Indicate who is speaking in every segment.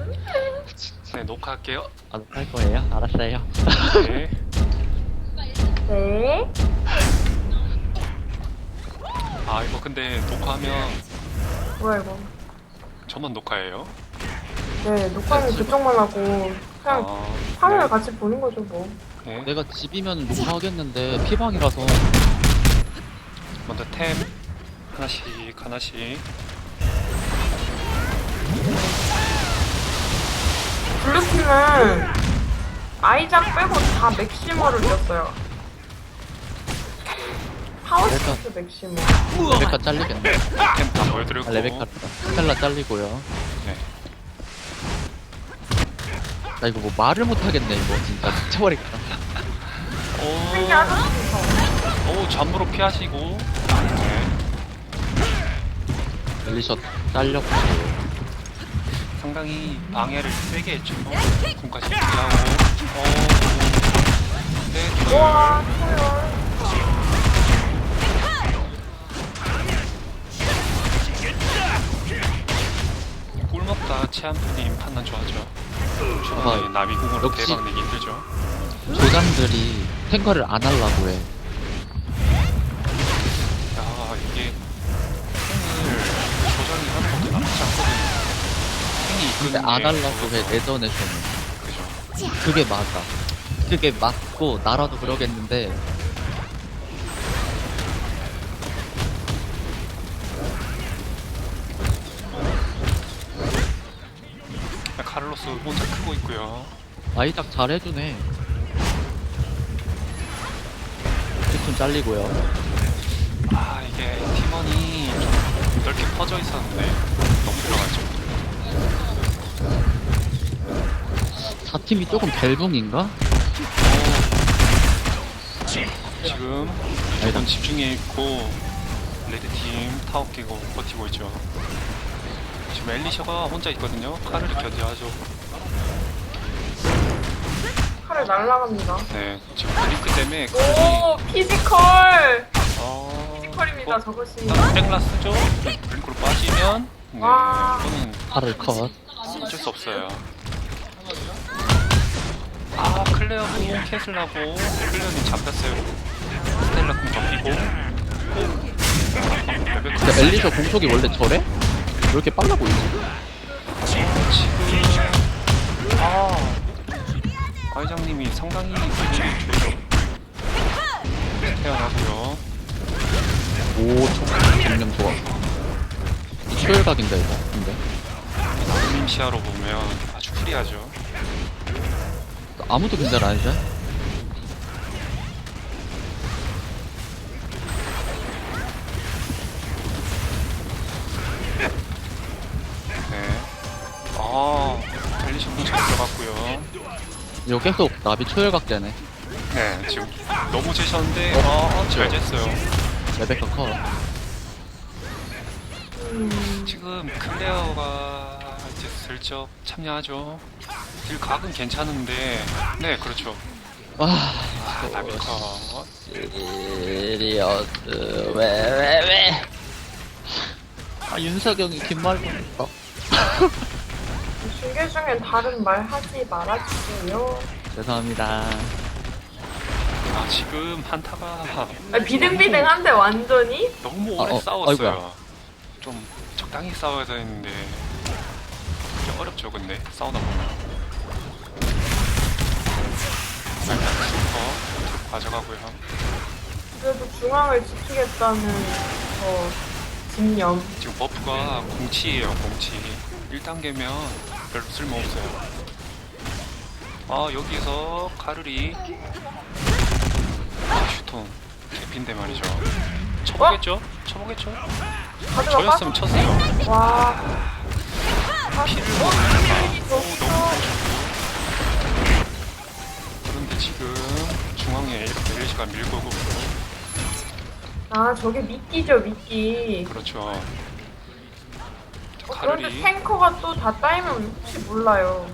Speaker 1: 네, 녹화할게요.
Speaker 2: 안 할 거예요? 알았어요.
Speaker 1: 네.
Speaker 3: 네.
Speaker 1: 아, 이거 근데 녹화하면
Speaker 3: 뭐야 이거?
Speaker 1: 저만 녹화해요?
Speaker 3: 네, 녹화는 그쪽만 하고 그냥 화면을
Speaker 1: 네.
Speaker 3: 같이 보는 거죠 뭐.
Speaker 1: 네.
Speaker 2: 내가 집이면 녹화하겠는데 피방이라서
Speaker 1: 먼저 템 하나씩 하나씩.
Speaker 3: 블루팀은 아이작 빼고 다 맥시머를 줬어요. 하우스트 맥시머.
Speaker 2: 레베카 잘리겠네.
Speaker 1: 템 다 보여드렸고.
Speaker 2: 레베카 스텔라 잘리고요.
Speaker 1: 네.
Speaker 2: 나 이거 뭐 말을 못하겠네 이거 진짜 미쳐버리겠다.
Speaker 3: 되게 아저씨서.
Speaker 1: 오, 잠으로 피하시고. 네.
Speaker 2: 엘리셔 잘렸고
Speaker 1: 상당히 방해를 세게 했죠. 군까지 피하고. 네, 좋아요.
Speaker 3: 우와, 초열.
Speaker 1: 꿀먹다 체한프님 판단 좋아하죠. 중앙에 나비궁으로
Speaker 2: 역시.
Speaker 1: 대박 내기 힘들죠.
Speaker 2: 조장들이 탱커를 안 하려고 해.
Speaker 1: 야, 이게 탱을 조정이 하는 것도 나쁘지 않거든요. 탱이
Speaker 2: 근데
Speaker 1: 이끄는
Speaker 2: 안
Speaker 1: 게
Speaker 2: 하려고 해
Speaker 1: 좋아서.
Speaker 2: 내전에서는.
Speaker 1: 그죠.
Speaker 2: 그게 맞아. 그게 맞고 나라도 그러겠는데
Speaker 1: 카를로스 혼자 크고 있고요.
Speaker 2: 아이작 잘해주네. 피톤 잘리고요.
Speaker 1: 아, 이게 팀원이 좀 넓게 퍼져 있었는데 너무 들어가죠.
Speaker 2: 4팀이 조금 벨붕인가?
Speaker 1: 지금 무조건 집중해 있고 레드팀 타워 깨고 버티고 있죠. 지금 엘리셔가 혼자 있거든요. 카를 견제하죠.
Speaker 3: 칼을 날라갑니다.
Speaker 1: 네, 지금 브링크 때문에
Speaker 3: 오, 피지컬.
Speaker 1: 어...
Speaker 3: 피지컬입니다 저것이.
Speaker 1: 일단 땡라스죠? 브링크로 빠지면 네,
Speaker 3: 와.
Speaker 1: 이거는
Speaker 2: 팔을 컷.
Speaker 1: 어쩔 수 없어요. 아, 클레어 궁 캔슬하고 클레어님 잡혔어요. 스텔라 궁 접히고 레벨
Speaker 2: 근데 엘리셔 공속이 원래 저래? 왜 이렇게 빨라 보이지?
Speaker 1: 지금 아이장님이 상당히 기분이 좋죠. 태어나고요.
Speaker 2: 오, 정령 좋아. 이 초열각인데 이거. 근데
Speaker 1: 님 시야로 보면 아주 프리하죠.
Speaker 2: 아무도 근절 안 해줘?
Speaker 1: 네. 엘리셔 궁 잘 들어갔고요.
Speaker 2: 이거 계속 나비 초열각 되네.
Speaker 1: 네, 지금 너무 재셨는데 잘 쟀어요.
Speaker 2: 레베카 컷.
Speaker 1: 지금 클레어가 이제 슬쩍 참여하죠. 딜 각은 괜찮은데, 네, 그렇죠.
Speaker 2: 와,
Speaker 1: 나비커.
Speaker 2: 시리어스 왜? 아 윤석영이 긴말 보냈어.
Speaker 3: 중계 중엔 다른 말 하지 말아주세요.
Speaker 2: 죄송합니다.
Speaker 1: 지금 한타가
Speaker 3: 비등비등한데 완전히?
Speaker 1: 너무 오래
Speaker 2: 아,
Speaker 1: 싸웠어요.
Speaker 2: 아이고야.
Speaker 1: 좀 적당히 싸워야 되는데 좀 어렵죠, 근데 싸우다 보면. 일단 슈퍼 가져가고요.
Speaker 3: 그래도 중앙을 지키겠다는 집념.
Speaker 1: 지금 버프가 공치예요, 공치. 1단계면 별로 쓸모없어요. 여기서 카르리 슈톤 개핀데 말이죠. 쳐보겠죠? 쳐보겠죠?
Speaker 3: 가져가
Speaker 1: 저였으면 쳤어요.
Speaker 3: 와.
Speaker 1: 피를
Speaker 3: 어,
Speaker 1: 먹으니까
Speaker 3: 이
Speaker 1: 너무
Speaker 3: 좋죠.
Speaker 1: 그런데 지금 중앙에 엘리시가 밀고 오고
Speaker 3: 아, 저게 미끼죠, 미끼.
Speaker 1: 그렇죠.
Speaker 3: 그런데
Speaker 1: 카르리
Speaker 3: 탱커가 또 다 따이면 혹시 몰라요.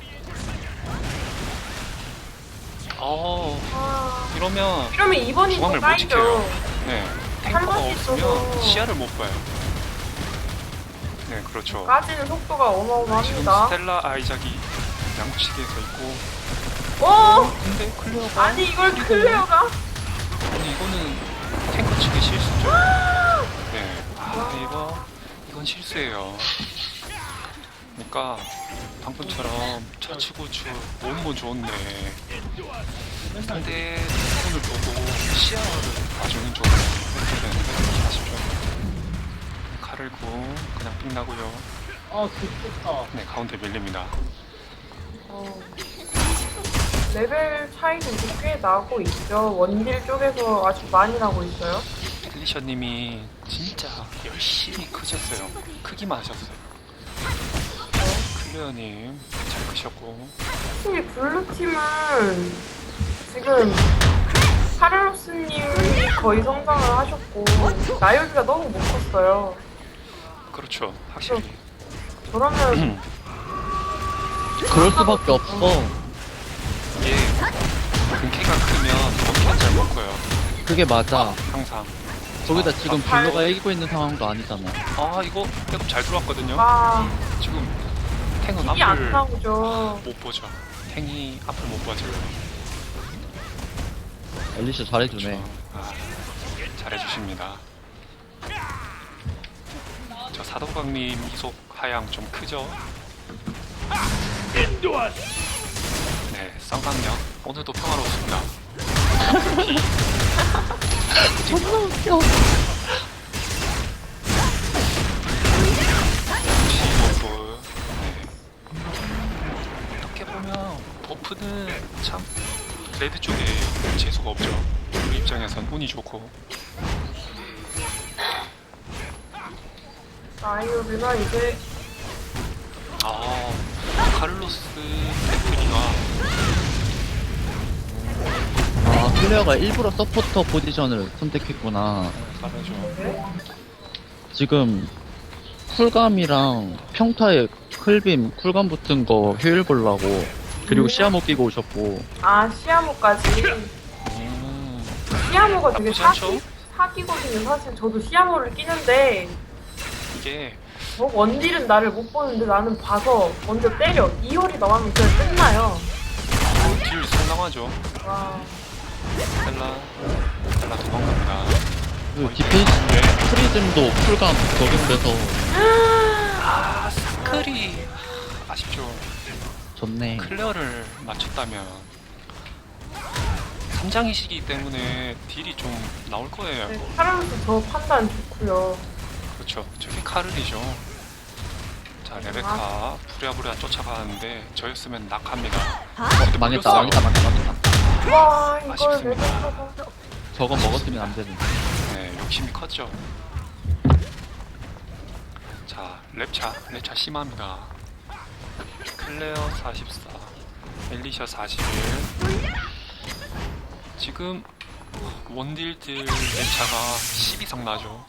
Speaker 1: 이러면
Speaker 3: 이러면 2번이
Speaker 1: 중앙을
Speaker 3: 또
Speaker 1: 못 지켜요.
Speaker 3: 따이죠.
Speaker 1: 네, 탱커가
Speaker 3: 한 번씩
Speaker 1: 없으면
Speaker 3: 있어서.
Speaker 1: 시야를 못 봐요. 네, 그렇죠.
Speaker 3: 까지는 속도가
Speaker 1: 지금
Speaker 3: 어마어마합니다.
Speaker 1: 스텔라 아이작이 양치기에서 있고,
Speaker 3: 오!
Speaker 1: 근데 클레어가
Speaker 3: 아니 이걸 클레어가?
Speaker 1: 아니 이거는 탱커 측의 실수죠. 네, 이건 실수예요. 그러니까 방금처럼 좌측우측 모으는 건 좋은데 상대 손을 보고 시야를 봐주는 쪽으로 해야 되는데 아쉽죠. 칼을 구 그냥 삥 나고요. 네, 가운데 밀립니다.
Speaker 3: 레벨 차이도 이제 꽤 나고 있죠. 원딜 쪽에서 아주 많이 나고 있어요.
Speaker 1: 펠리셔님이 진짜 열심히 크셨어요. 크기만 하셨어요. 클레어님 잘 크셨고.
Speaker 3: 특히 블루팀은 지금 카를로스님이 거의 성장을 하셨고 나유기가 너무 못 컸어요.
Speaker 1: 그렇죠, 확실히.
Speaker 3: 저러면
Speaker 2: 그럴 수밖에 없어.
Speaker 1: 이게 근캐가 크면 원캐가 잘 먹고요.
Speaker 2: 그게 맞아.
Speaker 1: 항상.
Speaker 2: 거기다 지금 블루가 이기고 있는 상황도 아니잖아.
Speaker 1: 아 이거 백업 잘 들어왔거든요.
Speaker 3: 아
Speaker 1: 지금 탱은
Speaker 3: 딜이 안
Speaker 1: 앞을
Speaker 3: 나오죠.
Speaker 1: 못 보죠. 탱이 앞을 못 봐줘요.
Speaker 2: 엘리샤 잘해주네.
Speaker 1: 그렇죠. 아, 잘해주십니다. 저 사도강님 이속 하향 좀 크죠? 네, 쌍강력 오늘도 평화로웠습니다.
Speaker 2: 존나 웃겨.
Speaker 1: 버프. 네. 어떻게 보면 버프는 참 레드 쪽에 재수가 없죠. 우리 입장에선 운이 좋고.
Speaker 3: 나유기가 이제
Speaker 1: 아, 카를로스 테크니가
Speaker 2: 아, 클레어가 일부러 서포터 포지션을 선택했구나.
Speaker 1: 잘하죠.
Speaker 2: 지금 쿨감이랑 평타에 클빔, 쿨감 붙은 거 효율 보려고. 그리고 시야모 끼고 오셨고.
Speaker 3: 아 시아모까지. 시아모가 되게
Speaker 1: 나쁘지 않죠?
Speaker 3: 사기거든요. 사실 저도 시아모를 끼는데
Speaker 1: 이게
Speaker 3: 원딜은 나를 못 보는데 나는 봐서 먼저 때려. 2홀이 나가면 그냥 끝나요.
Speaker 1: 딜 상당하죠.
Speaker 3: 와.
Speaker 1: 스텔라 도망갑니다.
Speaker 2: 그리고 디펜스
Speaker 1: 네.
Speaker 2: 프리즘도 쿨감 적용돼서
Speaker 1: 아, 사클이 아쉽죠.
Speaker 2: 좋네.
Speaker 1: 클레어를 맞췄다면 3장이시기 때문에 딜이 좀 나올 거예요.
Speaker 3: 네, 카를로스 저 판단 좋고요.
Speaker 1: 그렇죠. 저게 카를이죠. 자, 레베카 부랴부랴 쫓아가는데 저였으면 낙합니다.
Speaker 2: 망했다,
Speaker 1: 물렸어요.
Speaker 2: 망했다.
Speaker 3: 와 이걸
Speaker 1: 아쉽습니다.
Speaker 3: 레벨카가
Speaker 2: 저건 먹었으면 안 되는데.
Speaker 1: 네, 욕심이 컸죠. 자, 랩차 심합니다. 클레어 44, 엘리샤 41. 지금 원딜들 랩차가 10 이상 나죠.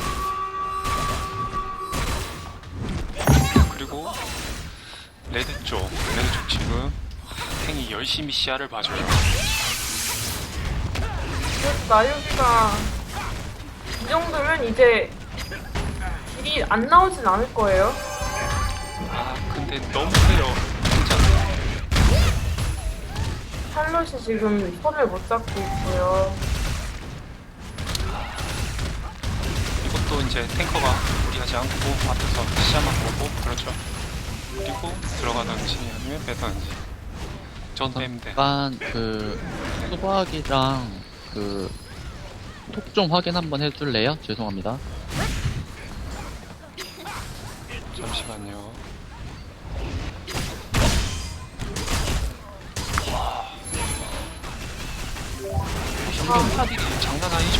Speaker 1: 그리고 레드 쪽 지금 탱이 열심히 시야를 봐줘요.
Speaker 3: 그래도 나유기가 이 정도면 이제 딜이 안 나오진 않을 거예요.
Speaker 1: 아, 근데 너무 세요. 진짜.
Speaker 3: 샬롯이 지금 손을 못 잡고 있고요.
Speaker 1: 이것도 이제 탱커가 무리하지 않고 앞에서 시야만 보고 그렇죠. 그리고 들어가든지 아니면 빼든지. 전 빼면 돼.
Speaker 2: 약간 그 수박이랑 그 톡 좀 확인 한번 해줄래요? 죄송합니다.
Speaker 1: 잠시만요. 현금 파딜이 장난 아니죠.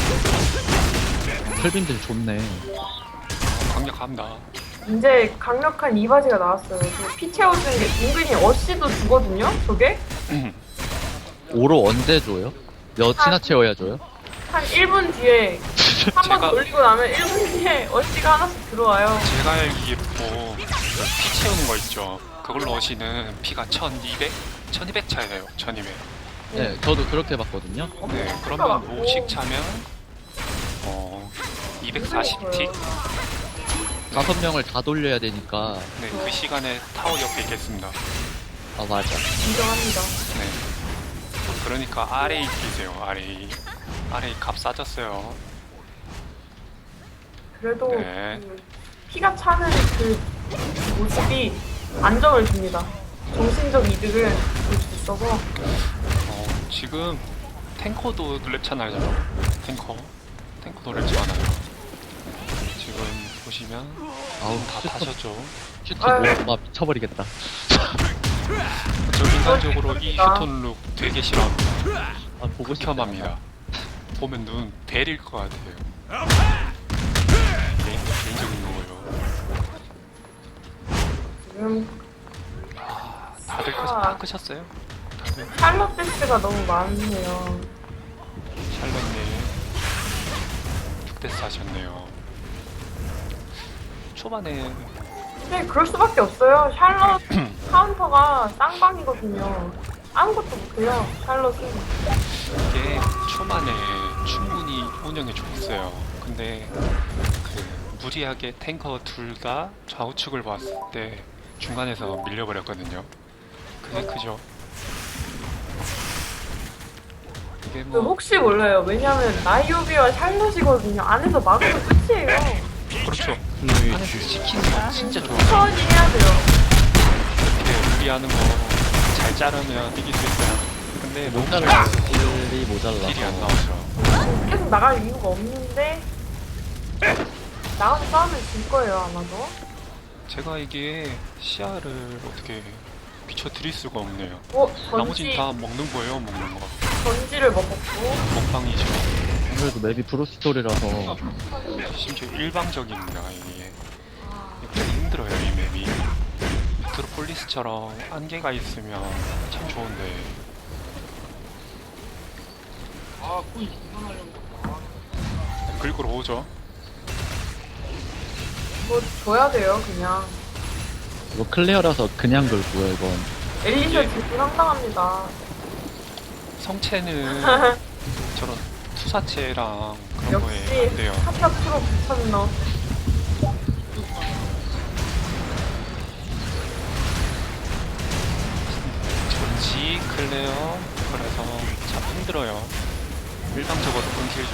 Speaker 2: 클빔들 좋네.
Speaker 1: 강력합니다.
Speaker 3: 이제 강력한 이바지가 나왔어요. 피 채워주는 게 은근히 어시도 주거든요. 저게
Speaker 2: 오로 언제 줘요? 몇이나 채워야 줘요?
Speaker 3: 한 1분 뒤에 한 번
Speaker 1: 제가-
Speaker 3: 돌리고 나면 1분 뒤에 어시가 하나씩 들어와요.
Speaker 1: 제가 알기에 피 채우는 거 있죠. 그걸로 오시는 피가 1200 차예요. 1200.
Speaker 2: 네, 저도 그렇게 봤거든요.
Speaker 1: 네, 그러면 50 차면 240틱.
Speaker 2: 5명을 다 돌려야 되니까.
Speaker 1: 네, 그 시간에 타워 옆에 있겠습니다.
Speaker 2: 아, 맞아.
Speaker 3: 인정합니다.
Speaker 1: 네. 그러니까 RA 끼세요, RA. RA 값 싸졌어요.
Speaker 3: 그래도
Speaker 1: 네.
Speaker 3: 그 피가 차는 그 모습이 안정을 줍니다. 정신적 이득을 줄 수 있어서.
Speaker 1: 지금 탱커도 랩차나요. 탱커도 랩차나요. 지금 보시면
Speaker 2: 아우,
Speaker 1: 다 타셨죠.
Speaker 2: 슈트
Speaker 3: 아유.
Speaker 2: 모아가 미쳐버리겠다.
Speaker 1: 저 인간적으로 이 휴톤 룩 되게 싫어합니다.
Speaker 2: 아, 보고 싶다.
Speaker 1: 극혐합니다. 보면 눈 베릴 것 같아요. 개인적인 거고요.
Speaker 3: 지금
Speaker 1: 다들 다 끄셨어요? 다들
Speaker 3: 샬럿 데스가 너무 많네요.
Speaker 1: 샬럿님 6대스 하셨네요. 초반에
Speaker 3: 네, 그럴 수밖에 없어요. 샬럿 카운터가 쌍방이거든요. 아무것도 못해요, 샬럿은.
Speaker 1: 이게 초반에 충분히 운영이 좋았어요. 근데 그 무리하게 탱커 둘 다 좌우측을 봤을 때 중간에서 밀려버렸거든요. 그게 크죠. 이게
Speaker 3: 그
Speaker 1: 뭐
Speaker 3: 혹시 몰라요. 왜냐면 나이오비와 샬럿이거든요. 안에서 막으면 끝이에요.
Speaker 1: 그렇죠. 안에서 시키는 거 진짜 좋아요.
Speaker 3: 천천히 해야 돼요.
Speaker 1: 이렇게 무리하는 거 잘 자르면 이길 수 있어요. 근데 너무
Speaker 2: 모자라. 딜이
Speaker 1: 딜이 안
Speaker 2: 모자라서.
Speaker 1: 나오죠.
Speaker 3: 계속 나갈 이유가 없는데 나가서 싸우면 질 거예요, 아마도.
Speaker 1: 제가 이게 시야를 어떻게 비춰드릴 수가 없네요. 나머진
Speaker 3: 전지,
Speaker 1: 다 먹는 거예요, 먹는 거.
Speaker 3: 전지를 먹었고.
Speaker 1: 먹방이죠.
Speaker 2: 아무래도 맵이 브루스토리라서
Speaker 1: 심지어 일방적입니다, 이게. 되게 힘들어요, 이 맵이. 메트로폴리스처럼 안개가 있으면 참 좋은데. 긁으러 오죠.
Speaker 3: 뭐 줘야 돼요, 그냥.
Speaker 2: 이거 클리어라서 그냥 긁고요, 이건.
Speaker 3: 엘리셔
Speaker 1: 예.
Speaker 3: 질주 상당합니다.
Speaker 1: 성체는 저런 투사체랑 그런 거에
Speaker 3: 역시
Speaker 1: 안 돼요.
Speaker 3: 카타 프로 미쳤노.
Speaker 1: 전지, 클레어, 그래서 참 힘들어요. 일방적으로 끊기죠.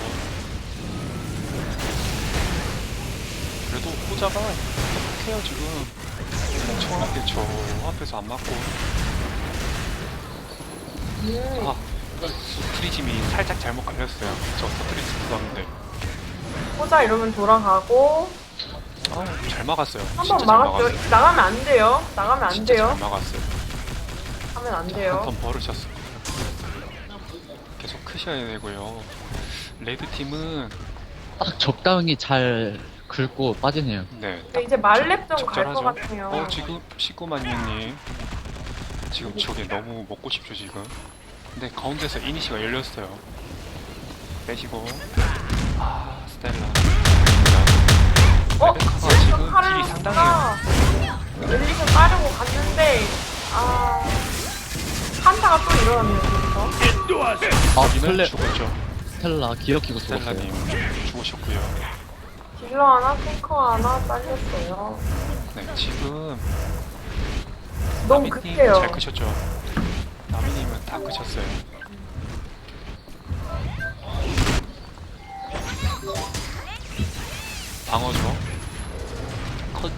Speaker 1: 그래도 호자가 해요 지금. 엄청나게 저 앞에서 안 맞고. 아, 프리즘이 살짝 잘못 걸렸어요. 저 터트리스 들었는데.
Speaker 3: 호자 이러면 돌아가고.
Speaker 1: 아, 잘 막았어요.
Speaker 3: 한
Speaker 1: 진짜
Speaker 3: 번
Speaker 1: 잘
Speaker 3: 막았죠.
Speaker 1: 막았어요.
Speaker 3: 나가면 안 돼요. 나가면 안
Speaker 1: 진짜
Speaker 3: 돼요.
Speaker 1: 잘 막았어요.
Speaker 3: 하면 안 돼요.
Speaker 1: 한 턴 버르셨어. 계속 크셔야 되고요. 레드 팀은
Speaker 2: 딱 적당히 잘 긁고 빠지네요.
Speaker 1: 네.
Speaker 3: 근데 이제 말렙 좀 갈 것
Speaker 1: 적절하죠.
Speaker 3: 같아요.
Speaker 1: 지금 19만년님 지금 저게 너무 먹고 싶죠 지금. 근데 가운데서 이니시가 열렸어요. 빼시고 스텔라. 레베카가 지금 딜이
Speaker 3: 카를로스가
Speaker 1: 상당해요.
Speaker 3: 엘리셔 따르고 갔는데 한타가 또 일어났네요. 그래서
Speaker 2: 아,
Speaker 1: 이면
Speaker 2: 클레,
Speaker 1: 죽었죠.
Speaker 2: 스텔라 기어키고 죽었어요.
Speaker 1: 스텔라님 죽으셨고요.
Speaker 3: 딜러 하나, 탱커 하나 잘렸어요.
Speaker 1: 네 지금
Speaker 3: 너무
Speaker 1: 나미님
Speaker 3: 급해요.
Speaker 1: 잘 크셨죠. 나미님은 다 크셨어요. 방어죠. 컷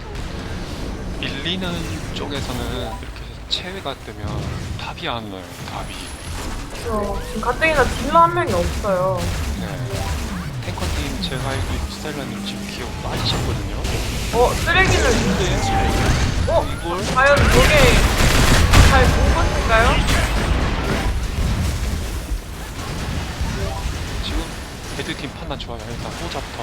Speaker 1: 밀리는 쪽에서는 이렇게 체외가 뜨면 답이 안 나요. 답이.
Speaker 3: 지금 가뜩이나 딜러 한 명이 없어요.
Speaker 1: 네. 탱커님 제가 알고 있는 스타일러님 지금 기억 빠지셨거든요.
Speaker 3: 쓰레기를
Speaker 1: 이걸
Speaker 3: 과연 저게 잘 본 것인가요?
Speaker 1: 지금 레드팀 판단 좋아요. 일단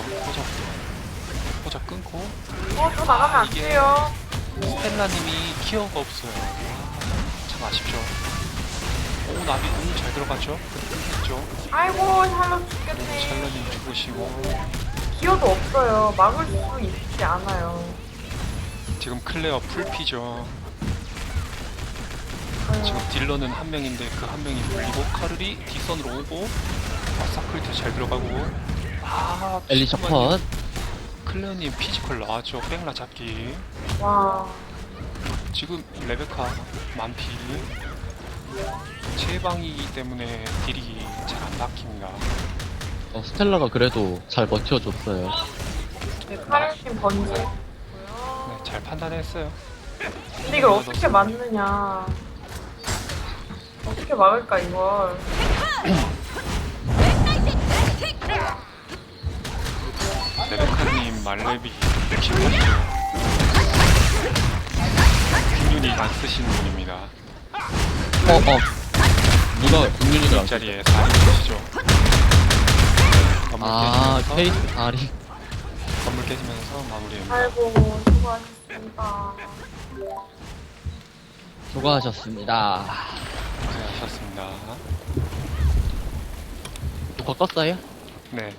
Speaker 1: 호자 끊고
Speaker 3: 저 나가면 안
Speaker 1: 이게-
Speaker 3: 돼요.
Speaker 1: 스텔라님이 키어가 없어요. 참 아쉽죠. 오 나비 너무 잘 들어갔죠? 끊겼죠?
Speaker 3: 아이고, 샬롯 죽겠네.
Speaker 1: 샬러님 죽으시고
Speaker 3: 기어도 없어요. 막을 수 있지 않아요.
Speaker 1: 지금 클레어 풀피죠. 지금 딜러는 한 명인데 그 한 명이 물리고 카를이 뒷선으로 오고 사클트 잘 들어가고
Speaker 2: 엘리셔 컷.
Speaker 1: 클레어님 피지컬 나왔죠. 백라 잡기.
Speaker 3: 와.
Speaker 1: 지금 레베카 만피. 체방이기 때문에 딜이 잘 안 박힙니다.
Speaker 2: 스텔라가 그래도 잘 버텨줬어요.
Speaker 3: 네, 카를님 번지.
Speaker 1: 네, 잘 판단했어요.
Speaker 3: 근데 이걸 어떻게 막느냐. 어떻게 막을까, 이걸.
Speaker 1: 레베카님 말레비 68초. 균윤이 안 쓰시는 분입니다.
Speaker 2: 누가 국민이를 안 써?
Speaker 1: 자리에 4인 계시죠. 건물
Speaker 2: 아,
Speaker 1: 깨지면서,
Speaker 2: 페이스 다리.
Speaker 1: 건물 깨지면서 마무리입니다.
Speaker 3: 아이고, 수고하셨습니다.
Speaker 2: 수고하셨습니다.
Speaker 1: 네, 하셨습니다.
Speaker 2: 더 껐어요?
Speaker 1: 네.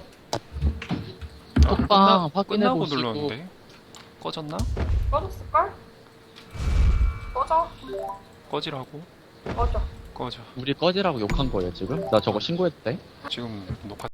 Speaker 2: 톡방
Speaker 1: 끝나고
Speaker 2: 확인해보시고.
Speaker 1: 눌렀는데 꺼졌나?
Speaker 3: 꺼졌을걸? 꺼져.
Speaker 1: 꺼지라고?
Speaker 3: 꺼져.
Speaker 1: 꺼져.
Speaker 2: 우리 꺼지라고 욕한 거예요, 지금? 나 저거 신고했대.
Speaker 1: 지금 녹화